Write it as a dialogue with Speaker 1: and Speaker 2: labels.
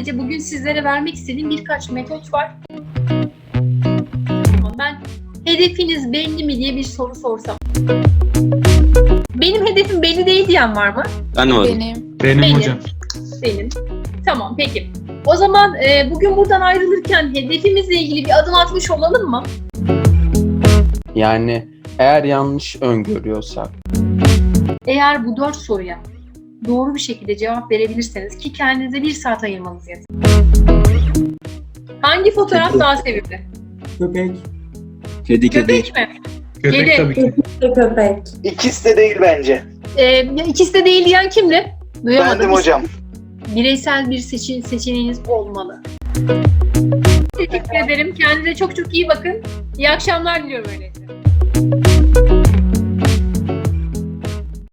Speaker 1: Bence bugün sizlere vermek istediğim birkaç metot var. Ben hedefiniz belli mi diye bir soru sorsam. Benim hedefim belli değil diyen var mı?
Speaker 2: Anlamadım.
Speaker 3: Benim hocam.
Speaker 1: Benim. Tamam peki. O zaman bugün buradan ayrılırken hedefimizle ilgili bir adım atmış olalım mı?
Speaker 4: Yani eğer yanlış öngörüyorsak
Speaker 1: Eğer bu 4 soruya doğru bir şekilde cevap verebilirseniz ki kendinize 1 saat ayırmanız yeter. Hangi fotoğraf daha sevimli?
Speaker 3: Köpek.
Speaker 2: Kedi
Speaker 1: Köpek mi?
Speaker 3: Köpek
Speaker 1: Kedi.
Speaker 3: tabii ki.
Speaker 5: Köpek.
Speaker 6: İkisi de değil bence.
Speaker 1: İkisi de değil diyen kimdi? Duyamadım.
Speaker 6: Bendim hocam.
Speaker 1: Bireysel bir seçeneğiniz olmalı. Teşekkür ederim. Kendinize çok çok iyi bakın. İyi akşamlar diliyorum öyleyse.